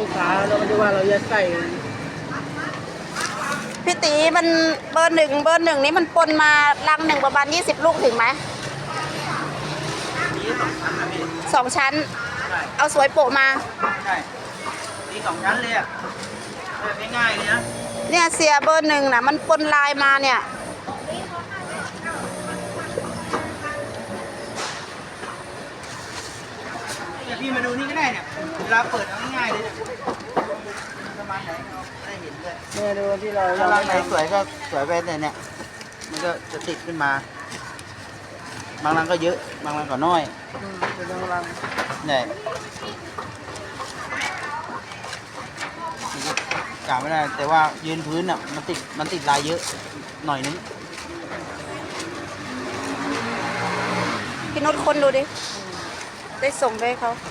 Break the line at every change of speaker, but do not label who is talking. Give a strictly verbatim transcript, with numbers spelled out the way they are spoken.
กค้าเราไม่ได้ว่าเราจะใส่
พี่ตีมันเบอร์หนึ่งเบอร์หนึ่งนี้มันปนมาลังหนึ่งประมาณยี่สิบลูกถึงไหม
มีสองชั้นนะพี่
สองชั้น
ใช่
เอาสวยโปะมา
ใช่มีสองชั้นเลยอ่ะแบบง่ายๆเลยนะ
เนี่ยเสียเบอร์หนึ่งนะมันปนลายมาเนี่ย
เนี่ยพี่มาดูนี่ก็ได้เนี่ยเวลาเปิดเอาง่ายๆเลยเนี่ยประมาณไหนเอาได้เห็นเลย
เนี่ยดูที่เรา
ถ้ารังไหนสวยก็สวยไปเนี่ยเนี่ยมันก็จะติดขึ้นมาบางรังก็เยอะบางรังก็น้อย
อืมเป็นรังรัง
เนี่ยกะไม่ได้แต่ว่ายืนพื้นอ่ะมันติดมันติดลายเยอะหน่อยนึง
พี่นุชคนดูดิ ได้ส่งไปให้เขา
เ